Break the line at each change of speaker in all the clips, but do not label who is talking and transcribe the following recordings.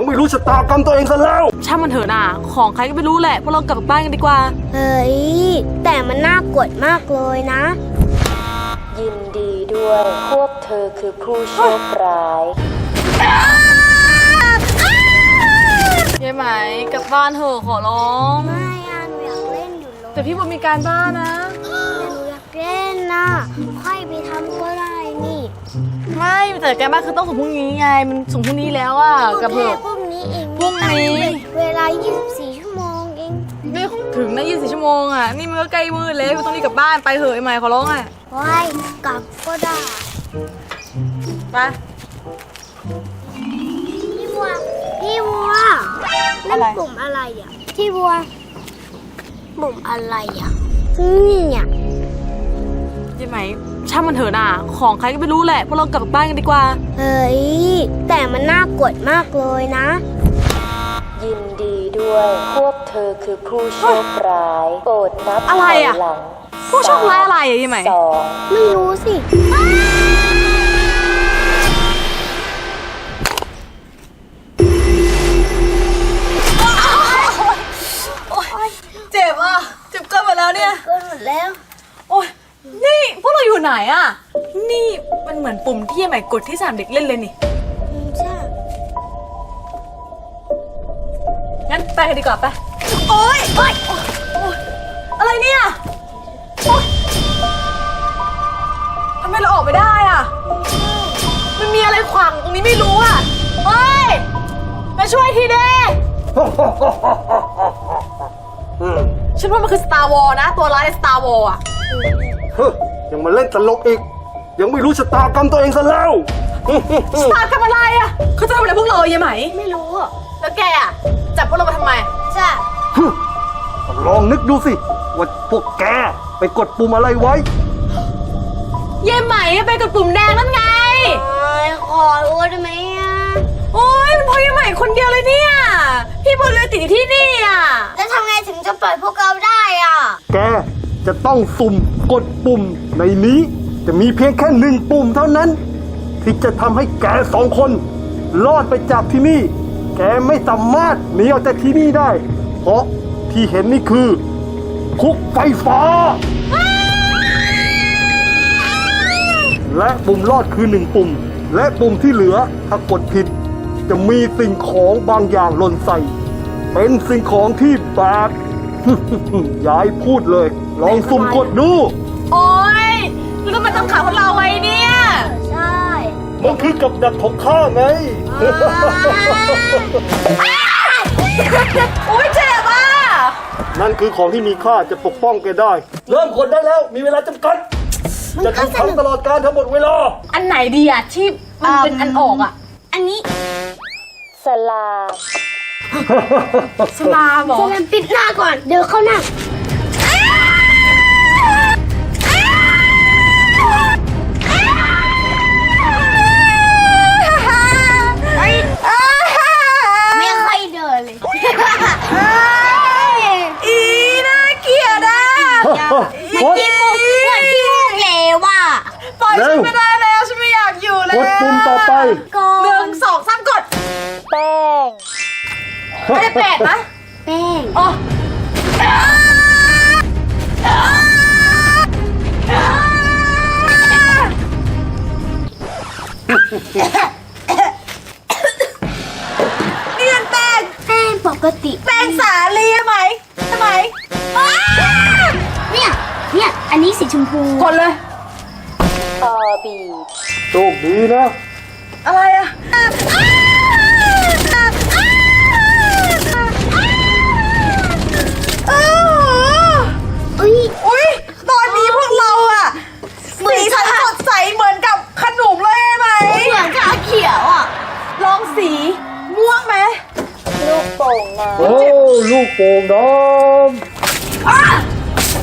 ไม่รู้ชะตากรรมตัวเองซะแล้ว
ช่างมันเถอะนะของใครก็ไม่รู้แหละพวกเรากลับบ้านกันดีกว่า
เฮ้ยแต่มันน่ากลัวมากเลยนะ
ยินดีด้วย พวกเธอคือผู้โชคร้าย
ยายไหมกลับบ้านเถอะขอร้อง
ไม่อะหนูอยากเล่นอยู่เลย
แต่พี่บอมีการบ้านนะ
แต่หนูอยากเล่นนะค่อยไปทำก็ได้นี่
ไม่แต่การบ้านคือต้องส่งพรุ่งนี้ไงมันส่งพรุ่งนี้แล้วอ่ะกับเถอะ
พรุ่งนี้เอง
พรุ่งนี้
เวลา24 ชั่วโมงเอง
ไม่ถึงนะ24 ชั่วโมงอ่ะนี่มันก็ใกล้มืดแล้วต้องรีบกลับบ้านไปเถอะไอ้ไหมขอร้องอ่ะ
ว้ายกลับก็ได้
ไป
พี่บัวนั่นปุ่มอะไรอ่ะพี่บัวปุ่มอะไรอ่ะนี่เนี่ย
ยายไหมช่างมันเถอะนะของใครก็ไม่รู้แหละพวกเรากลับบ้านกันดีกว่า
เฮ้ยแต่มันน่ากลัวมากเลยนะ
ยินดีด้วย พวกเธอคือผู้โชคร้ายโปรดนับ
อะไรอ่ะ
หลัง
ผู้โชคร้ายอะไรอ่ะยายไหม
ไม่รู้สิ
เจ็บอ่ะเจ็บเกินหมดแล้วเนี่ย
เกินหมดแล้ว
โอ้ยนี่พวกเราอยู่ไหนอ่ะนี่มันเหมือนปุ่มที่ยายไหมกดที่สนามเด็กเล่นเลยนี่
ใช่
งั้นไปกันดีกว่าไปโอ๊ยอะไรเนี่ยทำไมเราออกไม่ได้อ่ะมันมีอะไรขวางตรงนี้ไม่รู้อ่ะเฮ้ยมาช่วยทีเด้ฉันว่ามันคือ Star Wars นะตัวร้ายใน Star Wars อ่ะ
ยังมาเล่นตลกอีกยังไม่รู้ชะตากรรมตัวเองซะแล้ว
ชะตากรรมอะไรอ่ะเขาจะทำอะไรพวกเรายังไหม
ไม่รู้อ่ะ
แล้วแกอ่ะจับพวกเรามาทำไม
จ้ะ
ลองนึกดูสิว่าพวกแกไปกดปุ่มอะไรไว้
เย่ไหมไปกดปุ่มแดงนั่นไง
ขอโทษได้ไหมอ่ะ
โอ๊ยมันเพราะเย่ไหมคนเดียวเลยเนี่ยพี่บอลเลยติดอยู่ที่นี่อ่ะ
แล้วทำไงถึงจะปล่อยพวกเราได้อ่ะ
แกจะต้องสุ่มกดปุ่มในนี้จะมีเพียงแค่1 ปุ่มเท่านั้นที่จะทำให้แก2 คนรอดไปจากที่นี่แกไม่สามารถหนีออกจากที่นี่ได้เพราะที่เห็นนี่คือคุกไฟฟ้าและปุ่มรอดคือ1 ปุ่มและปุ่มที่เหลือถ้ากดผิดจะมีสิ่งของบางอย่างหล่นใส่เป็นสิ่งของที่แบบ ยายพูดเลยลองสุ่มกดดู
โอ๊ยแล้วทำไมต้องขังพวกเราไว้เนี่ย
ใช่
มันคือกับดักของข้าไง
โอ๊ยเจ็บอ่ะ
นั่นคือของที่มีค่าจะปกป้องแกได้เริ่มกดได้แล้วมีเวลาจำกัดจะถูกขังตลอดการทั้งหมดเวลา
อันไหนดีอ่ะที่มันเป็นอันออกอ่ะ
อันนี้
สลา
สลาหรอ
สลามปิดหน้าก่อนเดี๋ยวเข้าหน้าไม่ค่อยเดินเลย
อีน่าเกลียดอ่ะ
ที่มูกเลวอ่ะ
ปล่อยฉันไม่ได้แล้วฉันไม่อยากอยู่แล้ว
กดปุ่มต่อไป
1 2 3กด
แป้ง
ไม่ได้แปดนะ
แป้ง
อ๋อนี่มันแป้ง
ปกติ
แป้งสาลีไหมทำไม
เนี่ยอันนี้สีชมพู
กดเลย
ออบี
โชคดีนะ
อะไรอ่ะอุ้ยตอนนี้พวกเราอ่ะสีสันสดใสเหมือนกับขนมเลยไหม
เหมือนชาเขียวอ่ะ
ลองสีม่วงไหม
ลูกโป่งน้ำ
โอ้ลูกโป่งน้ำ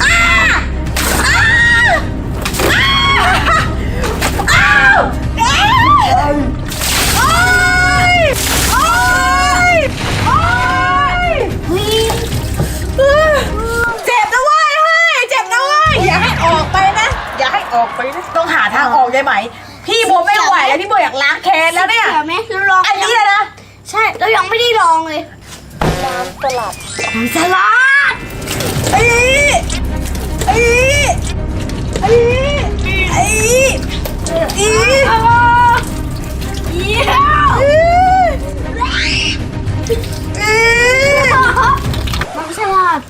ต้องหาทางออกได้ไหมพี่โบไม่ไหวแล้วพี่โบอยากล้างแค้นแล้วเนี่ย
ไหมลอง
อันนี้เลยนะ
ใช่เรายังไม่ได้ลองเลย
น้ำสลัด
น้ำสลัด
ไอ้ไอ้ไอ้ไอ้อี
น้ำสลัด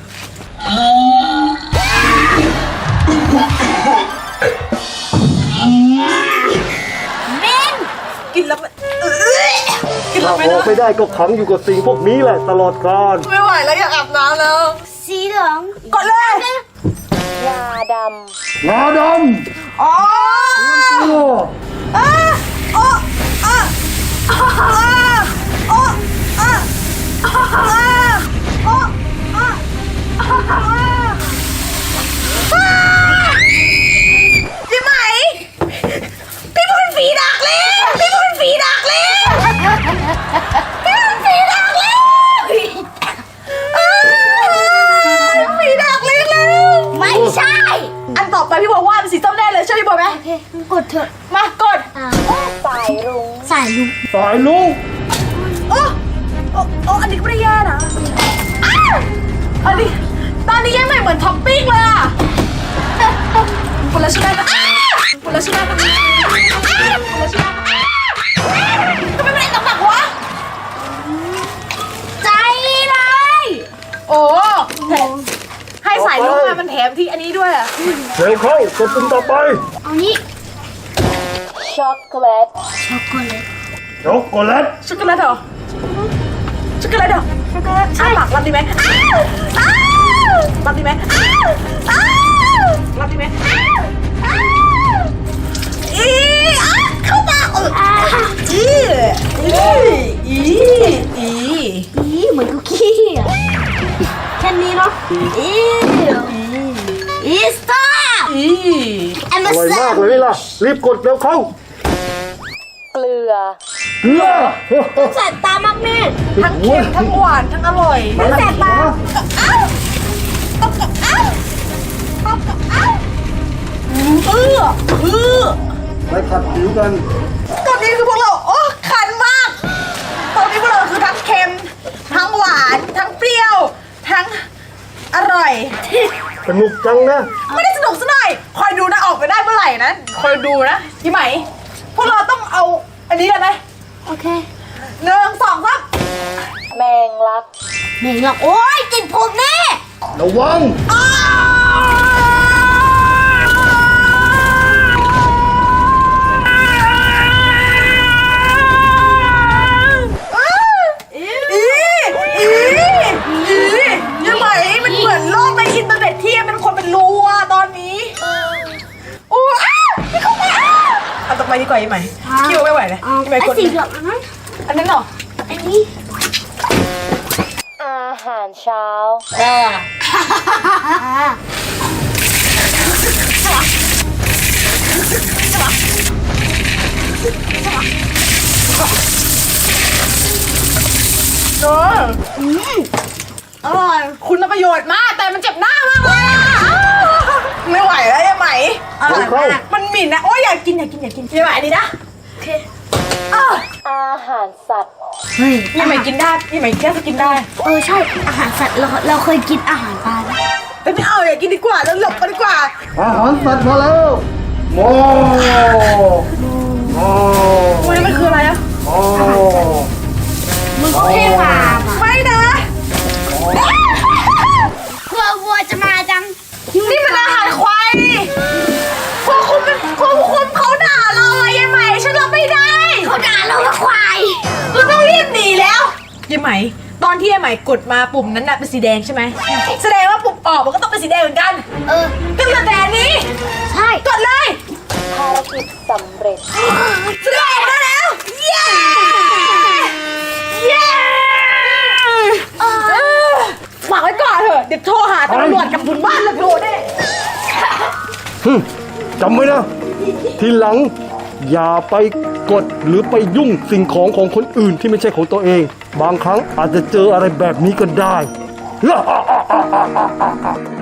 กินแล้วมันกินแล้
ถ้าว
ไม่
ออก
ได้
ไม่ได้ก็ขังอยู่กับสิ่งพวกนี้แหละตลอดกาล
ไม่ไหวแล้วอยากอาบน้ำแล้ว
สีเหลือง
กดเลย
ยาด
งาด
อ๋อ
ำตัว
อ่ะอ๋ออ่ะอ๋ออ๋ออ่ะอ๋ออ๋อยี่ไหมพี่เป็นฝีดักเลยพี่เป็นฝีดักเลยพี่เป็นฝีดักเลยฝีดักเลยแล้ว
ไม่ใช่
อันต่อไปพี่บอกว่าเป็นสีส้มแน่เลยใช่พี่บอกไหม
โอเคกดเถอะ
มากด
ำสายรุ้ง
สายลุง
สายลุง
โอ้โอ้อันนี้ก็ไม่ได้แย่นะอ้าวอันนี้ตอนนี้ยังไม่เหมือนท็อปปิ้งเลยอ่ะคนละชิ้นได้ไหมคนละชิ้นได้ไหมคนละชิ้นได้ไหมทำไมไม่ได้ตำหนักวะ
ใจเลย
โอ้แถมให้สายลูกมามันแถมที่อันนี้ด้วยอ่ะ
เร็วเข้ากดปุ่มต่อไป
เอานี้
ช็อกโกแลต
ช็อกโกแลต
ช็อกโกแลต
ช็อกโกแลตเหรอช็อกโกแลตเหรอ
ช็อกโกแลต
อ้า
ใช่
ปากรับดีไหมอ้าวรับดีไหมอ้าวรับดีไหมอ้าวอีอ้าวเข้าปากอี
เหมือนคุกกี้อ่ะแค่นี้เนาะอีสตาร์แอม
อร่อย
ซั
มาน กเลยล่ะ รีบกดเร็วเข้า
เกลือ
เกลือ
แสบตามากแม่
ทั้งเค็มทั้งหวานทั้งอร่อย
มันแสบตา
ไปขัดผิวกัน
ตอนนี้คือพวกเราโอ้คันมากตอนนี้พวกเราคือทั้งเค็มทั้งหวานทั้งเปรี้ยวทั้งอร่อย
สนุกจังนะ
ไม่ได้สนุกซะหน่อยคอยดูนะออกไปได้เมื่อไหร่นะคอยดูนะพี่ไหมพวกเราต้องเอาอันนี้เลยไหม
โอเค
1 2 3
แมงลัก
เหม่งหรอกโอ๊ยติดผมแน่
ระวัง
อ้ยังไงมันเหมือนโลกในอินเทอร์เน็ตที่เป็นคนเป็นรูอะตอนนี้โอ้ไม่เข้ามาเอาต่อไปดีกว่ายังไงคิวไม่ไหวเลย
เอา
ยังไง
ไอ้
กด
สีเหลืองอันนั้น
อันนั้นเหรอ
อันนี้
อาหารเช้า
อร่อยคุณประโยชน์มากแต่มันเจ็บหน้ามากเลยอะไม่ไหวแล้วยังไหมอร่อยมากมันหมิ่นนะโอ้ยอยากกินยังไหวดีนะโอเค
อาหารสัตว์
เฮ้ย
ยังไหมกินได้ยังไหมแค่จะกินได้
ใช่อาหารสัตว์เราเคยกินอาหารปลานะ
แต่ไม่เอาอยากกินดีกว่าแล้วหลบกันดีกว่า
อาหารสัตว์มาแล้วโอ้โอ้
มันคืออะไรอะ
โอ้
มึงก็แค่ปลาอ่ะ
ไม่นะ
กลัววัวจะมาจัง
นี่มันอาหารควายดิควบคุมเขาด่าเราอะยังไหมฉันรับไม่ได้
เขาด่าเราว่าควาย
เราต้องรีบหนีแล้วยังไหมตอนที่ยังไหมกดมาปุ่มนั้นน่ะเป็นสีแดงใช่ไหมแสดงว่าปุ่มออกมันก็ต้องเป็นสีแดงเหมือนกัน ก็เหลือแต่อันนี้
ใช่
กดเลย
ภารกิจสำเร็จ
แสดงออกได้แล้ว เย้เย้ฝากไว้ก่อนเถอะเดี๋ยวโทรหาตำรวจกับคุณบ้านแล้วโทรได้
จำไว้นะ ทีหลัง อย่าไปกดหรือไปยุ่งสิ่งของของคนอื่นที่ไม่ใช่ของตัวเอง บางครั้งอาจจะเจออะไรแบบนี้ก็ได้